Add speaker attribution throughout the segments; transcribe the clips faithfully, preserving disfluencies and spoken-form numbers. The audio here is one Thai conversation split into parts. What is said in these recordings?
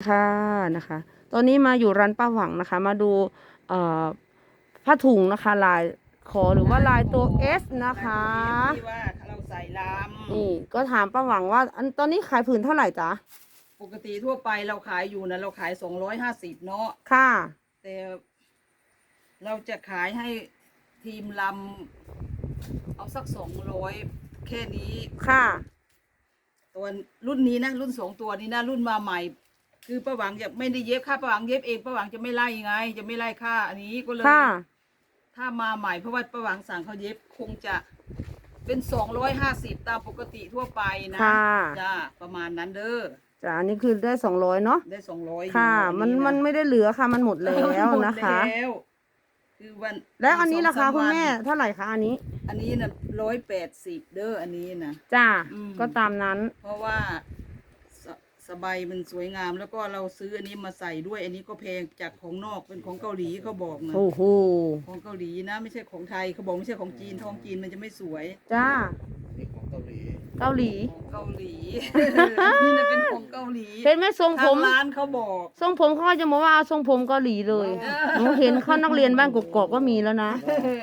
Speaker 1: ค่ะนะคะตอนนี้มาอยู่ร้านป้าหวังนะคะมาดูเอ่อผ้าถุงนะคะลายขอหรือว่าลายตัว S นะคะ
Speaker 2: ที่ว่าเราใส่ล
Speaker 1: นี่ก็ถามป้าหวังว่าอันตอนนี้ขายผืนเท่าไหร่จ๊ะ
Speaker 2: ำปกติทั่วไปเราขายอยู่นะเราขายสองร้อยห้าสิบเนาะ
Speaker 1: ค่ะ
Speaker 2: แต่เราจะขายให้ทีมลำเอาสักสองร้อยแค่นี้
Speaker 1: ค่ะ
Speaker 2: ตัวรุ่นนี้นะรุ่นสองตัวนี้นะรุ่นมาใหม่ คือป้าหวังจะไม่ได้เย็บค่าป้าหวังเย็บเองป้าหวังจะไม่ไล่ไง จะไม่ไล่ค่าอันนี้ก็เลยถ้ามาใหม่เพราะว่าป้าหวังสั่งเขาเย็บคงจะเป็นสองร้อยห้าสิบตามปกติทั่วไปนะจ้าประมาณนั้นเด้อ
Speaker 1: จ้ะอันนี้คือได้สองร้อยเนาะ
Speaker 2: ได้สองร้อย
Speaker 1: ค่ะมันมันไม่ได้เหลือค่ะมันหมดแล้วนะคะ
Speaker 2: คือวัน
Speaker 1: แล้วอันนี้ราคาคุณแม่เท่าไหร่คะอันนี้
Speaker 2: อันนี้นะร้อยแปดสิบเด้ออันนี้นะ
Speaker 1: จ้าก็ตามนั้น
Speaker 2: เพราะว่าสบายมันสวยงามแล้วก็เราซื้ออันนี้มาใส่ด้วยอันนี้ก็แพงจากของนอกเป็นของเกาหลีเขาบอกนะ
Speaker 1: โอ้โห
Speaker 2: ของเกาหลีนะไม่ใช่ของไทยเขาบอกไม่ใช่ของจีนทองจีนมันจะไม่สวย
Speaker 1: จ้า
Speaker 3: นี่ของเกาหลี
Speaker 1: เกาหลี
Speaker 2: ของเกาหลีนี่นะเป็นของเกาหลี
Speaker 1: เห็นไหมทรงผม
Speaker 2: ร้านเขาบอก
Speaker 1: ทรงผมเขาจะบอกว่าทรงผมเกาหลีเลยหนูเห็นเขานักเรียนบ้านกกอกก็มีแล้วนะ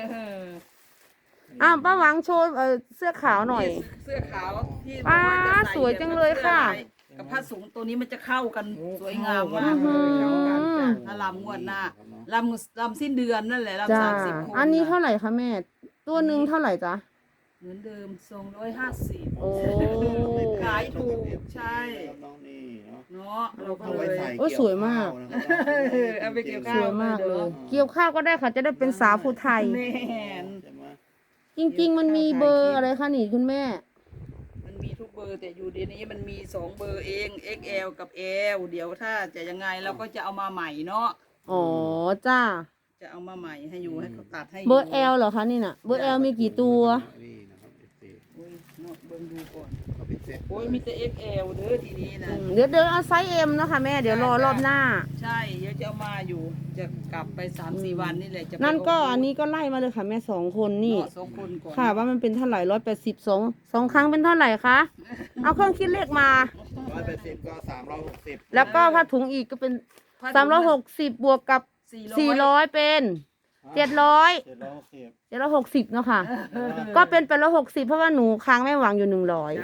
Speaker 1: อ้าวป้าหวังโชว์เสื้อขาวหน่อย
Speaker 2: เสื้อขาวที่
Speaker 1: ป้าสวยจังเลยค่ะ
Speaker 2: กับผ้าสูงตัวนี้มันจะเข้ากันสวยงามมากถ้าลำงวดหน้าลำลำสิ้นเดือนนั่นแหละลำสามสิบคน
Speaker 1: อันนี้เท่าไหร่คะแม่ตัวหนึ่งเท่าไหร่จ๊ะ
Speaker 2: เหมือนเดิมสองร้อยห้าสิบ
Speaker 1: โอ้
Speaker 2: ขายถูกใช่
Speaker 3: น้องนี่
Speaker 2: เนาะเราก็
Speaker 1: เลยโอ้สวยมาก
Speaker 2: เอาไปเกี่ยวข้าว
Speaker 1: สวยมากเลยเกี่ยวข้าวก็ได้ค่ะจะได้เป็นสาวผู้ไทยจริงๆมันมีเบอร์อะไรคะนี่คุณแม่
Speaker 2: มันมีทุกเบอร์แต่อยู่เดี๋ยวนี้มันมีสองเบอร์เอง เอ็กซ์ แอล กับ L เดี๋ยวถ้าจะยังไงเราก็จะเอามาใหม่เนาะ
Speaker 1: อ๋อจ้า
Speaker 2: จะเอามาใหม่ให้อยู่ให้เขาตัดให้
Speaker 1: เบอร์ L เหรอคะนี่น่ะเบอร์ L มีกี่ตัว
Speaker 2: โอ้ยเนาะเบิ่งดูก่อนโอ้ยมีแต่ เอ็กซ์ แอล เด้อทีนี้นะ
Speaker 1: เดี๋ยวเดี๋ยวเอาไซส์ M นะคะแม่เดี๋ยวรอรอบหน้า
Speaker 2: ใช่เดี๋ยวจะเอามาอยู่จะกลับไป สามสี่ วันนี่แหละจะ
Speaker 1: นั่นก็อันนี้ก็ไล่มาเลยค่ะแม่สองคนนี่
Speaker 2: สองคนก่อน
Speaker 1: ค่ะว่ามันเป็นเท่าไหร่ร้อยแปดสิบสองสองครั้งเป็นเท่าไหร่คะเอาเครื่องคิดเลขมา
Speaker 3: ร้อยแปดสิบก็สามร้อยหกสิบ
Speaker 1: แล้วก็ผ้าถุงอีกก็เป็นสามร้อยหกสิบบวกกับสี่ร้อยเป็นเจ็ดร้อยเจ็ดร้อยหกสิบเจ็ดร้อยหกสิบเนาะค่ะก็เป็นแปดร้อยหกสิบเพราะว่าหนูค้างแม่หวังอยู่หนึ่งร้อย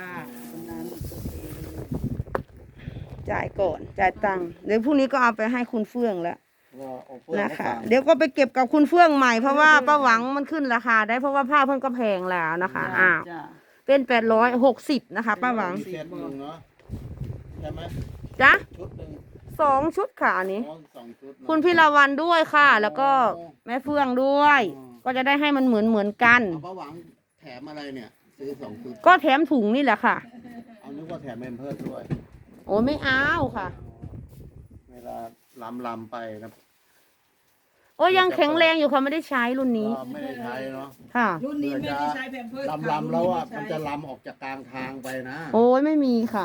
Speaker 1: จ่ายก่อนจ่ายตังค์เดี๋ยวพรุ่งนี้ก็เอาไปให้คุณเฟื่องแล้วนะคะเดี๋ยวก็ไปเก็บกับคุณเฟื่องใหม่เพราะว่าป้าหวังมันขึ้นราคาได้เพราะว่าผ้าเพิ่นก็แพงแล้วนะคะอ้าวเป็นแปดร้อยหกสิบนะคะป้าหวัง
Speaker 3: ใช่ไหม
Speaker 1: จ๊ะ
Speaker 3: ชุดหนึ่ง
Speaker 1: สองชุดค่ะอันนี้คุณพิรวันด้วยค่ะ แล้วก็แม่เฟื่องด้วย ก็จะได้ให้มันเหมือนเหมือนกัน
Speaker 3: ป้าหวังแถมอะไรเนี่ยซื้อสองชุด
Speaker 1: ก็แถมถุงนี่แหละค่ะ
Speaker 3: เอานึกว่าแถมเมมเพิร์สด้วย
Speaker 1: โอ้ไม่เอาค่ะ
Speaker 3: เวลาลำลำไปนะ
Speaker 1: โอ้ยังแข็งแรงอยู่ค่ะไม่ได้ใช้รุ่นนี้
Speaker 3: ไม่ได้ใช้เนาะ
Speaker 1: ค่ะ
Speaker 2: รุ่นนี้ไม่ได้ใช้แพมเพิร์ส
Speaker 3: ลำลำแล้วอ่ะมันจะลำออกจากกลางทางไปนะ
Speaker 1: โอ้ยไม่มีค่ะ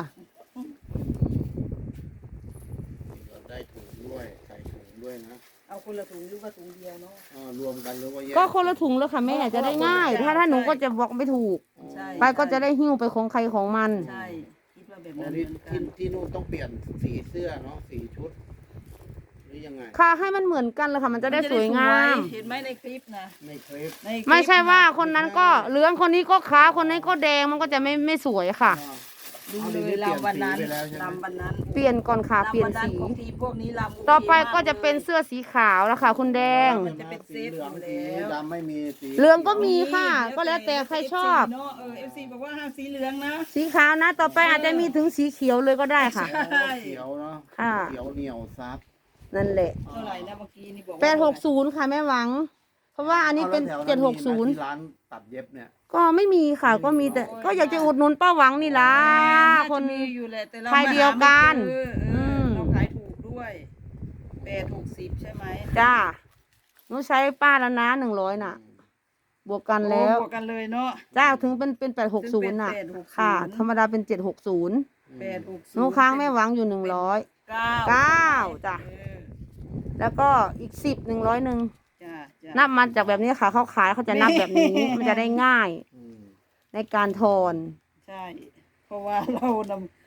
Speaker 3: ได้ถุงด้วยใส่ถุงด้วยนะ
Speaker 2: เอาคนละถุงหรือว่าถุงเดียวเนาะ
Speaker 3: รวมกันหรือว่าแยก
Speaker 1: ก็คนละถุงแล้วค่ะแม่จะได้ง่ายถ้าถ้าหนูก็จะบอกไม่ถูกไปก็จะได้หิ้วไปของใครของมัน
Speaker 2: ใช่คิดว่าแบบนั้น
Speaker 3: ที่ที่นู่นต้องเปลี่ยนสีเสื้อเนาะสีชุดหรือยังไง
Speaker 1: ค่ะให้มันเหมือนกันเลยค่ะมันจะได้สวยงาม
Speaker 2: เห็นไหมในคลิปนะ
Speaker 3: ในคลิป
Speaker 1: ไม่ใช่ว่าคนนั้นก็เหลืองคนนี้ก็ขาวคนนี้ก็แดงมันก็จะไม่ไม่สวยค่ะ
Speaker 2: ดูเลยลำวันนั้นลำวันนั้น
Speaker 1: เปลี่ยนก่อนค่ะเปลี่ยนสีต่อไปก็จะเป็นเสื้อสีขาวแล้วค่ะคุณแดง
Speaker 2: มันจะเป็นเซฟอยู่แล้ว
Speaker 3: ดำไม่มีสี
Speaker 1: เหลืองก็มีค่ะก็แล้วแต่ใครชอบ
Speaker 2: เนาะเออเอฟซีบอกว่าห้ามสีเหลืองนะ
Speaker 1: สีขาวนะต่อไปอาจจะมีถึงสีเขียวเลยก็ได้ค่ะ
Speaker 3: เขียวเนาะเขียวเหนียวซับ
Speaker 1: นั่นแหละ
Speaker 2: เท่าไหร่นะเมื่อกี้นี่บอก
Speaker 1: แปดหกศูนย์ค่ะแม่หวังเพราะว่าอันนี้เป็นเจ็ดหกศูนย์
Speaker 3: ร้านตัดเย็บเนี่ย
Speaker 1: ก็ไม่มีค่ะก็มีแต่ก็อยากจะอุดหนุนป้าหวังนี่ล่ะคนใครเดียวกัน
Speaker 2: เราขายถูกด้วยแปดหกสิบใช่ไหม
Speaker 1: จ้าหนูใช้ป้าแล้วนะหนึ่งร้อยน่ะบวกกันแล้ว
Speaker 2: บวกกันเลยเนาะ
Speaker 1: จ้าถึงเป็นเป็นแปดหกศูนย์น่ะค่ะธรรมดาเป็นเจ็ดหกศูนย์หนูค้างแม่หวังอยู่หนึ่งร้อยเก้าจ้ะแล้วก็อีกสิบหนึ่งร้อยหนึ่งนับมาจากแบบนี้ค่ะเขาขายเขาจะนับแบบนี้มันจะได้ง่ายในการทอน
Speaker 2: ใช่เพราะว่าเราน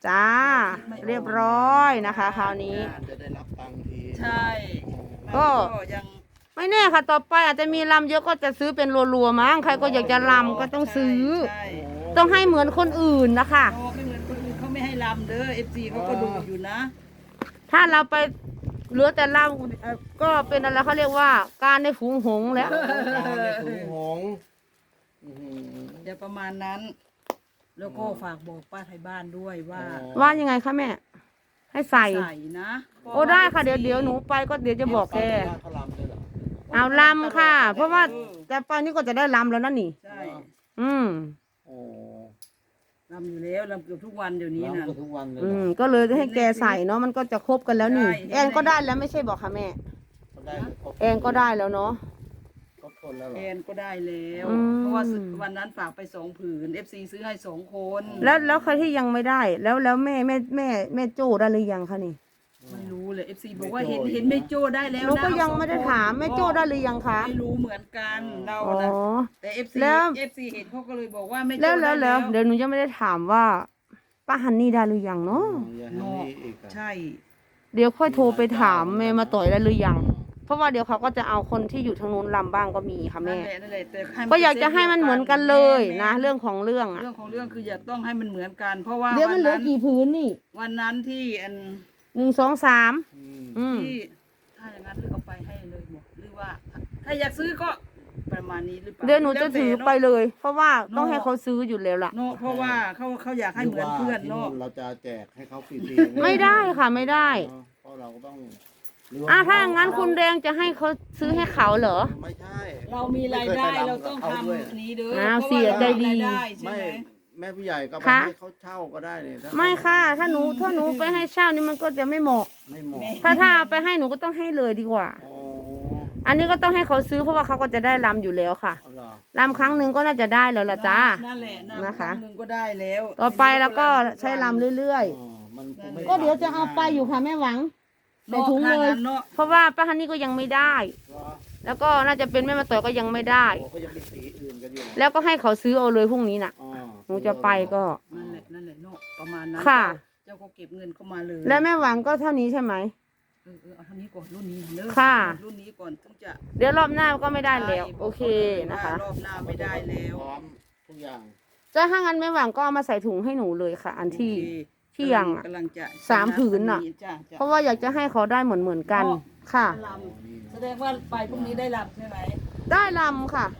Speaker 1: จ้า เรียบร้อยนะคะ คราวนี้
Speaker 3: งานจะได้รับตังค์ที
Speaker 2: ใช่
Speaker 1: ก็
Speaker 2: ยัง
Speaker 1: ไม่แน่ค่ะ ต่อไปอาจจะมีลำเยอะก็จะซื้อเป็นรัวๆมั้งใครก็อยากจะลำก็ต้องซื้อ
Speaker 2: ใช่
Speaker 1: ต้องให้เหมือนคนอื่นนะคะ
Speaker 2: โอ้ไม่เหมือนคนอื่นเขาไม่ให้ลำเด้อเอฟซีเขาก็ดูอยู่นะ
Speaker 1: ถ้าเราไปเหลือแต่ลำเอ่อก็เป็นอะไรเขาเรียกว่าการในฝูงหงส์แล้ว
Speaker 3: โอ้การในถุงหงส์อื้อหือ
Speaker 2: อย่าประมาณนั้น แล้วก็ฝากบอกป้าไทยบ้านด้วยว่า
Speaker 1: ว่ายังไงคะแม่ ให้ใส่
Speaker 2: ใส่นะ
Speaker 1: โอ้ได้ค่ะเดี๋ยวเดี๋ยวหนูไปก็เดี๋ยวจะบอกแก
Speaker 3: เขาลำด้วยเหรอ
Speaker 1: เอาลำค่ะ เพราะว่าแต่ไปนี่ก็จะได้ลำแล้วนั่นนี่
Speaker 2: ใช่
Speaker 1: อืม
Speaker 3: โอ้
Speaker 2: ลำอยู่แล้วลำเกือบทุกวันเดี๋ยวนี้นะ
Speaker 3: ลำกันทุกวันเลย
Speaker 1: อื
Speaker 3: เหร
Speaker 1: ม
Speaker 3: อ
Speaker 1: ก็เลยให้แกใส่เนาะมันก็จะครบกันแล้วนี่
Speaker 2: ใช่
Speaker 1: แอนก็ได้แล้วไม่ใช่บอกค่ะแม่
Speaker 3: เขาได้ครบ
Speaker 1: แอนก็ได้แล้วเนาะ
Speaker 3: ครบคนแล้วเหร
Speaker 2: แอ
Speaker 3: อน
Speaker 2: ก็ได้แล้ว
Speaker 1: อืม
Speaker 2: เพราะว่าวันนั้นฝากไปสองผืนเอฟซีซื้อให้สองคน
Speaker 1: แล้วแล้วใครที่ยังไม่ได้ แล้วแล้วแม่แม่แม่แม่โจ้ได้หรือยังคะนี่
Speaker 2: ไม่รู้เลยเอฟซีบอกว่าเห็นเห็นแม่โจ้ได้แล้ว
Speaker 1: หนู
Speaker 2: นะ
Speaker 1: ก็ยังไม่ได้ถามแม่โจ้ได้หรือยังคะ
Speaker 2: ไม่รู้เหมือนกันเรา
Speaker 1: อ๋อ
Speaker 2: นะแต่เอฟซี
Speaker 1: แล้ว
Speaker 2: เอฟซีเห็นเขาก็เลยบอกว่าแม่โจ้
Speaker 1: แล้วแล้
Speaker 2: ได้
Speaker 1: วแล้วเดี๋ยวหนูยังไม่ได้ถามว่าป้าฮันนี่ได้หรือยัง
Speaker 3: อ๋อ
Speaker 1: เนาะ
Speaker 3: อย่าให้นี่อีกอะ
Speaker 2: ใช่
Speaker 1: เดี๋ยวค่อยโทรไปถามแม่มาต่อยได้หรือยัง เพราะว่าเดี๋ยวเขาก็จะเอาคนที่อยู่ทางนู้นลำบ้างก็มีค่ะ
Speaker 2: นั่
Speaker 1: แม่
Speaker 2: นแหละนั่นแหละแต่ให้มัน
Speaker 1: ก็อยากจะให้มันเหมือนกันเลยนะ
Speaker 2: แม่
Speaker 1: เรื่องของเรื่องอะ
Speaker 2: เรื่องของเรื่องคืออยากต้องให้มันเหมือนกัน เพราะว่า
Speaker 1: เดี๋ยวมันเหลือ
Speaker 2: วั
Speaker 1: กี่พื้นนี่
Speaker 2: วันนั้นที่อัน
Speaker 1: หนึ่งสองสาม
Speaker 3: อืม
Speaker 1: อืม
Speaker 2: ที่ถ้าอย่างนั้นเลือกเอาไปให้เลยบอกหรือว่า ถ้าอยากซื้อก็ประมาณนี้หรือเปล่า
Speaker 1: เดี๋ยวหนูจะถือไป
Speaker 2: แล้วแต่
Speaker 1: เลย เพราะว่าต้องให้เขาซื้ออยู่แล้วล่ะ
Speaker 2: เนาะเพราะว่าเขาเขาอยากให้เหมือนเพื่อน
Speaker 3: หรื
Speaker 2: เนาะ
Speaker 3: ว่าที่เราจะแจกให้เขาฟรีๆ
Speaker 1: ไม่ได้ค่ะไม่ได้
Speaker 3: เพราะเราก็ต้องหรืว่
Speaker 1: อ่ะถ้าอย่างนั้นคุณแดงจะให้เขาซื้อให้เขาเหรอ
Speaker 3: ไม่ใช่
Speaker 2: เรามีรายได้เราต้องทำ
Speaker 3: ด้วย
Speaker 2: นี้เด้อ
Speaker 1: อ้าว
Speaker 2: พราะ
Speaker 1: เสียใจดี
Speaker 2: เรามีรายได้ใช่
Speaker 3: ไม่
Speaker 2: ไหม
Speaker 3: แม่ผู้ใหญ่ก็ไป
Speaker 1: คะ
Speaker 3: ให้เขาเช่าก็ได้เนี่ยถ้า
Speaker 1: ไม่ค่ะ ถ้าหนูถ้าหนูไปให้เช่านี่มันก็จะไม่เหมาะ
Speaker 3: ไม่เหมาะ
Speaker 1: ถ้าถ้าเอาไปให้หนูก็ต้องให้เลยดีกว่า
Speaker 3: โอ้
Speaker 1: อันนี้ก็ต้องให้เขาซื้อเพราะว่าเขาก็จะได้ลำอยู่แล้วค่ะ
Speaker 3: เอาเหรอ
Speaker 1: ลำครั้งหนึ่งก็น่าจะได้แล้วล่ะจ้า
Speaker 2: นั่นแหละนะ
Speaker 1: นะคะ
Speaker 2: งหนึ่งก็ได้แล้ว
Speaker 1: ต่อไปแล้วก็ใช้ลำเรื่อย
Speaker 3: อ๋อมันคงไม่
Speaker 1: ๆ ก็เดี๋ยวจะเอาไปอยู่ค่ะแม่หวังใส่ถุงเลย
Speaker 2: เนาะ
Speaker 1: เพราะว่าป้าฮันนี่ก็ยังไม่ได้
Speaker 3: เหรอ
Speaker 1: แล้วก็น่าจะเป็นแม่มาต่อยก็ยังไม่ได้
Speaker 3: โอ้ก็ยังมีสีอื่นกันอยู่
Speaker 1: แล้วก็ให้เขาซื้อเอาเลยพรุ่งนี้น่ะ
Speaker 3: อ๋อ
Speaker 1: หนูจะไปก็
Speaker 2: นั่นแหละนั่นแหละเนาะประมาณนั้น
Speaker 1: ค่ะ
Speaker 2: เจ้าก็เก็บเงินเข้ามาเลย
Speaker 1: แล้วแม่หวังก็เท่านี้ใช่ไหม
Speaker 2: เออเออเอาเท่านี้ก่อนรุ่นนี้เด้อ
Speaker 1: ค่ะ
Speaker 2: รุ่นนี้ก่อนถึงจะ
Speaker 1: เดี๋ยวรอบหน้าก็ไม่ได้แล้ว โอเคนะคะ
Speaker 2: รอบหน้าไม่ได้แล้ว
Speaker 3: พร้อมทุกอย่าง
Speaker 1: จะถ้างั้นแม่หวังก็เอามาใส่ถุงให้หนูเลยค่ะ อันที่
Speaker 2: โอเค
Speaker 1: ที่ยังอะ
Speaker 2: กำลังจะ
Speaker 1: สามผืนน่ะ
Speaker 2: จ้จ้
Speaker 1: เพราะว่าอยากจะให้เขาได้เหมือนเหมือนๆกัน ค่ะ
Speaker 2: ลำแสดงว่าไปพรุ่งนี้ได้ลำใช่ไหม
Speaker 1: ได้ลำค่ะ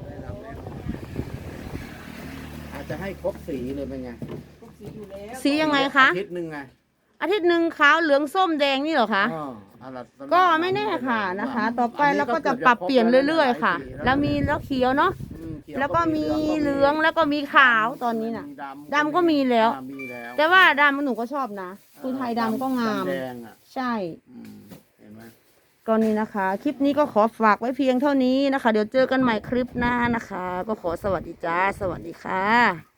Speaker 3: อาจจะให้ครบสีเลยเป็นไง
Speaker 2: พวกสีอยู่แล้ว
Speaker 1: สียังไงคะ
Speaker 3: อาทิตย์หนึ่งไง
Speaker 1: อาทิตย์หนึ่งขาวเหลืองส้มแดงนี่เหรอคะ
Speaker 3: อ๋อเอาล่ะสำหรับ
Speaker 1: ก็ไม่แน่ค่ะนะคะ ต่อไปเราก็จะปรับเปลี่ยนเรื่อยๆค่ะ แล้วมีแล้วเขียวเนาะ
Speaker 3: อืมเขีย
Speaker 1: แล้วก็มีเหลืองแล้วก็มีขาวตอนนี้น่ะ
Speaker 3: มี
Speaker 1: ดำก็มีแล้ว
Speaker 3: อ่ามีแล้ว
Speaker 1: แต่ว่าดำหนูก็ชอบนะคือไทยดำก็งาม
Speaker 3: ดำแดงอ่ะ
Speaker 1: ใช่
Speaker 3: อืมเห็นไหม
Speaker 1: ก็นี่นะคะ คลิปนี้ก็ขอฝากไว้เพียงเท่านี้นะคะ เดี๋ยวเจอกันใหม่คลิปหน้านะคะ ก็ขอสวัสดีจ้า สวัสดีค่ะ